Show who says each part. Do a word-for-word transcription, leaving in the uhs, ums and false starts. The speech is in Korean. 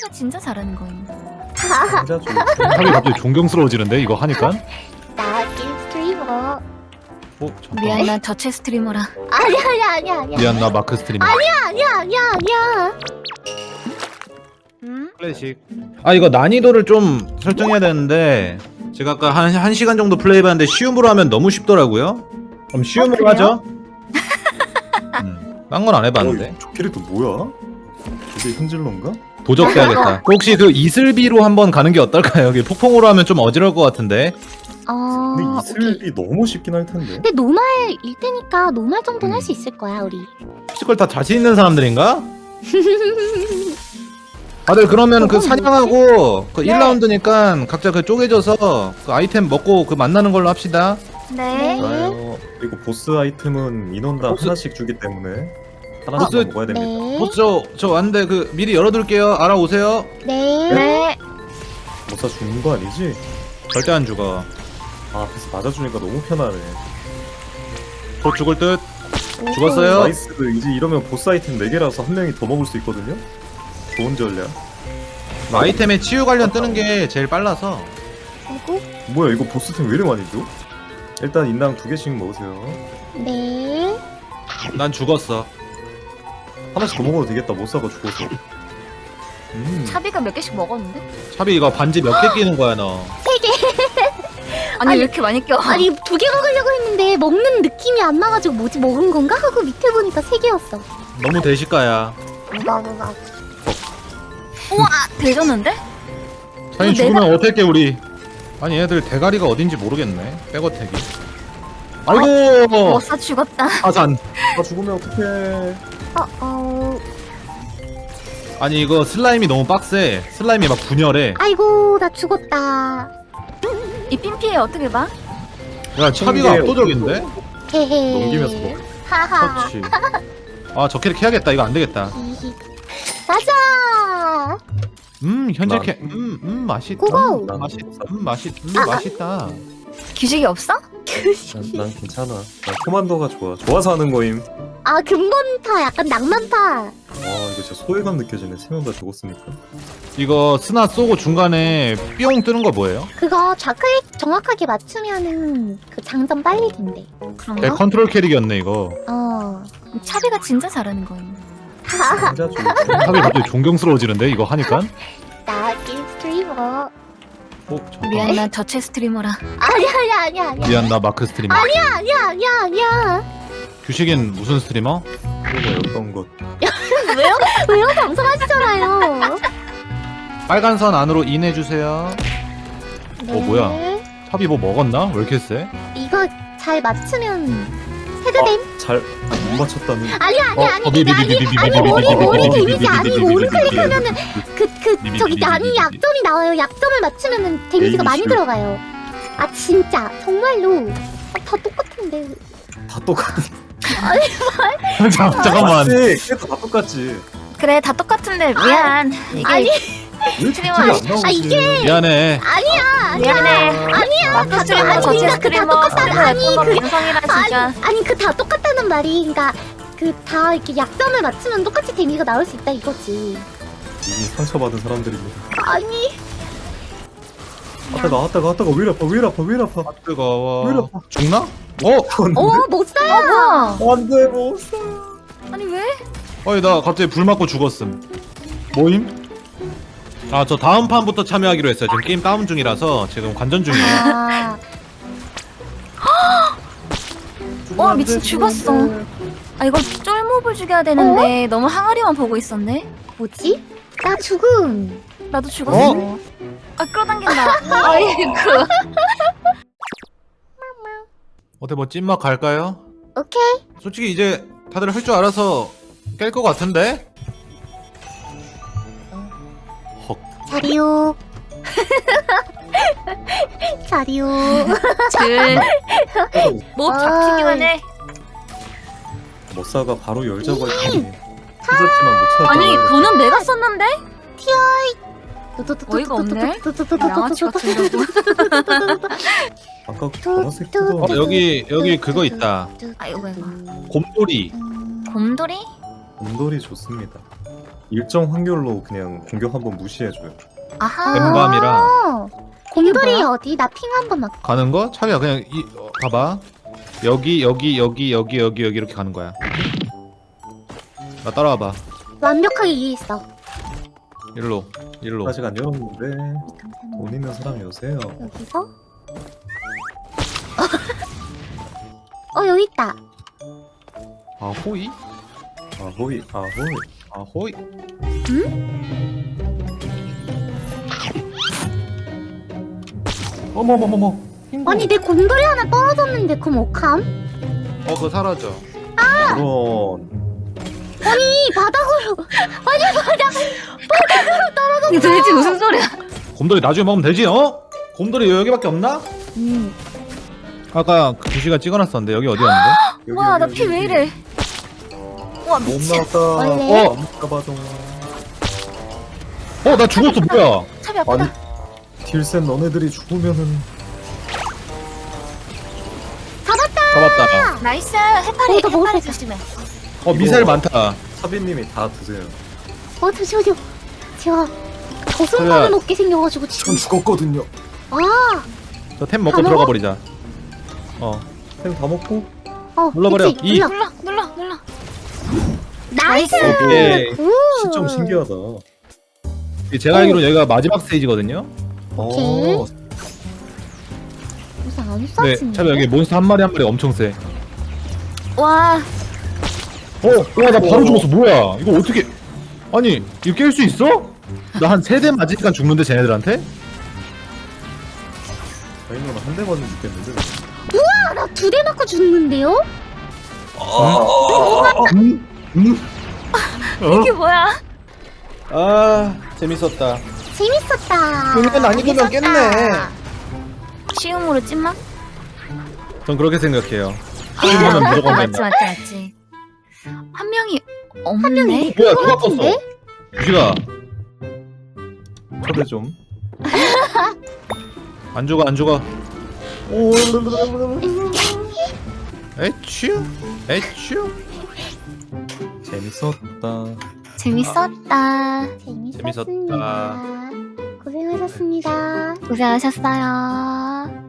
Speaker 1: 차비가 진짜 잘하는 거임.
Speaker 2: 진짜 좀
Speaker 3: 탑이 갑자기 존경스러워지는데 이거 하니까?
Speaker 4: 나 게임 스트리머.
Speaker 3: 어? 잠깐.
Speaker 1: 미안, 난 저체 스트리머라.
Speaker 4: 아니야 아니야 아니야 아니야.
Speaker 3: 미안 나 마크 스트리머.
Speaker 4: 아니야 아니야 아니야 아니야.
Speaker 1: 응?
Speaker 3: 클래식. 아 이거 난이도를 좀 설정해야 되는데 제가 아까 한, 한 시간 정도 플레이해봤는데 쉬움으로 하면 너무 쉽더라고요. 그럼 쉬움으로
Speaker 1: 아,
Speaker 3: 하죠. 음, 딴 건 안 해봤는데.
Speaker 2: 어, 저 캐릭터 뭐야? 저게 흔질러인가?
Speaker 3: 도적해야겠다. 혹시 그 이슬비로 한번 가는 게 어떨까요? 여기 폭풍으로 하면 좀 어지러울 것 같은데.
Speaker 4: 어.
Speaker 2: 근데
Speaker 4: 오케이.
Speaker 2: 이슬비 너무 쉽긴 할 텐데.
Speaker 4: 근데 노말일 테니까 노말 정도는
Speaker 2: 음.
Speaker 4: 할 수 있을 거야 우리.
Speaker 3: 피지컬 다 자신 있는 사람들인가? 다들 그러면 그 사냥하고 그
Speaker 4: 네.
Speaker 3: 일 라운드니까 각자 그 쪼개져서 그 아이템 먹고 그 만나는 걸로 합시다.
Speaker 1: 네.
Speaker 2: 좋아요. 그리고 보스 아이템은 인원당
Speaker 3: 보스-
Speaker 2: 하나씩 주기 때문에 하나씩
Speaker 3: 보스-
Speaker 2: 먹어야 됩니다.
Speaker 4: 네.
Speaker 3: 어, 저, 저 왔는데 그 미리 열어둘게요. 알아오세요.
Speaker 4: 네.
Speaker 1: 네.
Speaker 2: 못사 죽는 거 아니지?
Speaker 3: 절대 안 죽어.
Speaker 2: 아, 앞에서 맞아주니까 너무 편하네.
Speaker 3: 곧 죽을 듯. 죽었어요?
Speaker 2: 나이스. 이제 이러면 보스 아이템 네 개라서 한 명이 더 먹을 수 있거든요? 좋은 전략.
Speaker 3: 아이템에 치유 관련 뜨는 게 제일 빨라서.
Speaker 4: 그리고
Speaker 2: 뭐야, 이거 보스템 왜 이렇게 많이 줘? 일단 인당 두 개씩 먹으세요.
Speaker 4: 네.
Speaker 3: 난 죽었어.
Speaker 2: 하나씩 더 먹어도 되겠다. 못사가 죽어서. 음.
Speaker 1: 차비가 몇 개씩 먹었는데?
Speaker 3: 차비 이거 반지 몇 개 끼는 거야 너?
Speaker 1: 아니,
Speaker 4: 아니,
Speaker 1: 왜 이렇게 많이 껴?
Speaker 4: 아니 두 개 먹으려고 했는데 먹는 느낌이 안 나가지고 뭐지 먹은 건가 하고 밑에 보니까 세 개였어.
Speaker 3: 너무 대식가야.
Speaker 4: 우가 우가.
Speaker 1: 우와! 되졌는데?
Speaker 3: 자기
Speaker 1: 이거
Speaker 3: 죽으면
Speaker 1: 내가-
Speaker 3: 어떡해 우리. 아니 얘들 대가리가 어딘지 모르겠네. 백어택이. 아이고.
Speaker 1: 머싸 죽었다.
Speaker 3: 하산.
Speaker 2: 나 죽으면 어떡해.
Speaker 4: 어 어.
Speaker 3: 아니 이거 슬라임이 너무 빡세. 슬라임이 막 분열해.
Speaker 4: 아이고 나 죽었다.
Speaker 1: 이 핀피에 어떻게 봐?
Speaker 3: 야 차비가
Speaker 2: 이게
Speaker 3: 압도적인데?
Speaker 4: 헤헤.
Speaker 2: 넘기면서 먹-
Speaker 4: 하하.
Speaker 2: 그렇지.
Speaker 3: 아 저 캐릭 해야겠다. 이거 안 되겠다.
Speaker 4: 히히. 가자.
Speaker 3: 음 현재
Speaker 2: 난-
Speaker 3: 캐. 음, 음 맛있다.
Speaker 4: 고고.
Speaker 3: 음, 맛있. 음 맛있. 음
Speaker 4: 아,
Speaker 3: 맛있다.
Speaker 1: 규식이 없어?
Speaker 2: 난, 난 괜찮아. 난 코만도가 좋아. 좋아서 하는 거임.
Speaker 4: 아 근본파 약간 낭만파.
Speaker 2: 와, 이거 진짜 소외감 느껴지네. 세 명 다 죽었으니까.
Speaker 3: 이거 스나 쏘고 중간에 뿅 뜨는 거 뭐예요?
Speaker 4: 그거 좌클릭 정확하게 맞추면은 그 장점 빨리 된대.
Speaker 3: 내
Speaker 1: 그런가?
Speaker 3: 컨트롤 캐릭이었네 이거.
Speaker 4: 어.
Speaker 1: 차비가 진짜 잘하는 거임.
Speaker 2: 진짜 좀.
Speaker 3: 차비 갑자기 존경스러워지는데 이거 하니까?
Speaker 4: 나 게임 스트리머.
Speaker 3: 어 잠깐.
Speaker 1: 미안, 난 저체 스트리머라.
Speaker 4: 아니야 아니야 아니야 아니야.
Speaker 3: 미안 나 마크 스트리머.
Speaker 4: 아니야 아니야 아니야 아니야.
Speaker 3: 규식인 무슨 스트리머?
Speaker 2: 그거 어떤 것.
Speaker 4: 왜요? 왜요? 방송하시잖아요.
Speaker 3: 빨간 선 안으로 인해주세요.
Speaker 4: 네.
Speaker 3: 어, 뭐야? 차비 뭐 먹었나? 왜 이렇게 세?
Speaker 4: 이거 잘 맞추면 헤드댐?
Speaker 2: 잘, 아, 못 맞췄다는.
Speaker 4: 아니야 아니야 아니
Speaker 3: 어,
Speaker 4: 그게 아니 아니 머리 머리 데미지 아니고 오른클릭 하면은 그 그 저기 아니 약점이 나와요. 약점을 맞추면은 데미지가 많이
Speaker 2: 에이씨.
Speaker 4: 들어가요. 아 진짜 정말로 아, 다 똑같은데.
Speaker 2: 다 똑같아.
Speaker 3: 잠- 잠깐만.
Speaker 2: 캐릭터 다 똑같지.
Speaker 1: 그래, 다 똑같은데 미안. 이게
Speaker 4: 아니
Speaker 2: 왜
Speaker 1: 스트리머
Speaker 2: 안
Speaker 1: 아니-
Speaker 2: 나오지?
Speaker 4: 아, 이게-
Speaker 3: 미안해.
Speaker 4: 아니야
Speaker 1: 미안해.
Speaker 4: 아니야
Speaker 1: 마크
Speaker 4: 다
Speaker 1: 스트리머,
Speaker 4: 아니,
Speaker 1: 저체
Speaker 4: 그러니까 그다
Speaker 1: 스트리머,
Speaker 4: 똑같다.
Speaker 1: 스트리머
Speaker 4: 아니
Speaker 1: 예쁜 건
Speaker 4: 그
Speaker 1: 민성이라 진짜.
Speaker 4: 아니, 아니 그 다 똑같다는 말이 그러니까 그 다 이렇게 약점을 맞추면 똑같이 데미지가 나올 수 있다 이거지.
Speaker 2: 이미 상처받은 사람들입니다.
Speaker 4: 아니
Speaker 2: 아따가 아따가 아따가 왜 이리 아파 왜 이리 아파 왜 이리 아파.
Speaker 3: 아, 뜨거워.
Speaker 2: 왜 이래?
Speaker 3: 죽나? 어?
Speaker 4: 어 못 쏴요.
Speaker 1: 어, 뭐야?
Speaker 2: 안돼 못 사.
Speaker 1: 아니 왜?
Speaker 3: 어이 나 갑자기 불 맞고 죽었음. 모임? 아 저 다음 판부터 참여하기로 했어요. 지금 게임 다운 중이라서 지금 관전 중이에요.
Speaker 4: 아
Speaker 1: 와, 미친 죽었어. 아, 이거 쫄몹을 죽여야 되는데 너무 항아리만 보고 있었네.
Speaker 4: 뭐지? 나 죽음.
Speaker 1: 나도 죽었어.
Speaker 3: 어?
Speaker 1: 아, 끌어당긴다. 아이고.
Speaker 3: 어때 뭐 찐막 갈까요?
Speaker 4: 오케이.
Speaker 3: 솔직히 이제 다들 할 줄 알아서 깰 것 같은데? 헉.
Speaker 4: 자리요. 자리요.
Speaker 1: 들. 몹 잡히기만 해.
Speaker 2: 머싸가 바로 열자고 했더니 찾았지만 못 찾았다.
Speaker 1: 아니, 돈은 내가 썼는데? 어이가 없네. 양아치 같은 거.
Speaker 2: 아까 보라색 뜯어.
Speaker 3: 어 여기 여기 그거 있다.
Speaker 1: 아이고, 아이고.
Speaker 3: 곰돌이.
Speaker 1: 곰돌이?
Speaker 2: 곰돌이 좋습니다. 일정 확률로 그냥 공격 한번 무시해줘요.
Speaker 1: 아하.
Speaker 3: 엠밤이랑
Speaker 4: 어. 곰돌이
Speaker 1: 뭐야?
Speaker 4: 어디? 나 핑 한 번만.
Speaker 3: 가는 거? 차비야 그냥 이 어, 봐봐. 여기 여기 여기 여기 여기 여기 이렇게 가는 거야. 나 따라와봐.
Speaker 4: 완벽하게 이해했어.
Speaker 3: 일로 일로.
Speaker 2: 아직 안 열었는데
Speaker 4: 감사합니다.
Speaker 2: 돈 있는 사람이 오세요.
Speaker 4: 여기서. 어 여기 있다.
Speaker 3: 아호이
Speaker 2: 아호이 아호이.
Speaker 3: 아호이. 어머머머머.
Speaker 4: 아니 내 곰돌이 하나 떨어졌는데 그럼 어감?
Speaker 3: 어 그거 사라져.
Speaker 2: 그런.
Speaker 4: 이 바닥으로. 아니 바닥.
Speaker 1: 이게 도대체 무슨 소리야?
Speaker 3: 곰돌이 나중에 먹으면 되지 어? 곰돌이 여기밖에 없나?
Speaker 4: 음.
Speaker 3: 아까 그 주시가 찍어놨었는데 여기 어디였는데?
Speaker 2: 여기,
Speaker 1: 와, 나
Speaker 2: 여기,
Speaker 1: 피
Speaker 2: 여기.
Speaker 1: 왜 이래? 와,
Speaker 2: 못
Speaker 1: 미친.
Speaker 2: 나왔다.
Speaker 4: 원래?
Speaker 3: 어?
Speaker 2: 가봐줘.
Speaker 3: 어 나 죽었어 뭐야?
Speaker 1: 차비 아프다.
Speaker 2: 아니 딜센 너네들이 죽으면은
Speaker 3: 잡았다.
Speaker 1: 나이스. 해파리,
Speaker 4: 어, 나 먹을
Speaker 1: 해파리
Speaker 4: 수 있다.
Speaker 1: 조심해.
Speaker 3: 어 미사일 많다.
Speaker 2: 사비님이 다 드세요.
Speaker 4: 어 잠시만요. 제가
Speaker 3: 그래.
Speaker 4: 저승만을 먹게 생겨가지고 지금.
Speaker 2: 전 죽었거든요.
Speaker 4: 아.
Speaker 3: 저 템 먹고
Speaker 4: 다
Speaker 3: 들어가
Speaker 4: 먹어?
Speaker 3: 버리자. 어.
Speaker 2: 템 다 먹고
Speaker 4: 어.
Speaker 3: 눌러버려.
Speaker 4: 그치?
Speaker 3: 이.
Speaker 4: 눌러.
Speaker 1: 눌러, 눌러, 눌러.
Speaker 4: 나이스.
Speaker 3: 오케이.
Speaker 4: 굿.
Speaker 2: 시점 신기하다.
Speaker 3: 제가 알기로 여기가 마지막 스테이지거든요.
Speaker 2: 어.
Speaker 4: 무슨 안
Speaker 3: 네,
Speaker 4: 쏴지는데?
Speaker 3: 차비 여기 몬스터 한 마리 한 마리 엄청 세.
Speaker 1: 와,
Speaker 3: 어, 와 나 바로 죽었어. 뭐야? 이거 어떻게? 아니 이거 깰 수 있어? 나 한 세 대 맞으니까 죽는데 쟤네들한테?
Speaker 2: 저희는 한 대 맞으면 죽겠는데.
Speaker 4: 아, 나 두 대 맞고 죽는데요?
Speaker 3: 음, 음.
Speaker 1: 이게 뭐야?
Speaker 3: 아 재밌었다.
Speaker 4: 재밌었다.
Speaker 3: 그러면 안 익으면
Speaker 4: 재밌었다.
Speaker 1: 쉬움으로 찐만?
Speaker 3: 전 그렇게 생각해요.
Speaker 1: 아,
Speaker 3: 쉬움하면 무조건
Speaker 1: 맞지,
Speaker 3: 된다.
Speaker 1: 맞지, 맞지. 한 명이 없네?
Speaker 3: 뭐야 누가 껐어?
Speaker 4: 같은데?
Speaker 3: 주시가
Speaker 2: 초대 좀.
Speaker 3: 안 죽어 안 죽어. 에츄 에츄.
Speaker 2: 재밌었다.
Speaker 1: 재밌었다.
Speaker 4: 재밌었습니다.
Speaker 3: 재밌었다.
Speaker 4: 고생하셨습니다.
Speaker 1: 고생하셨어요.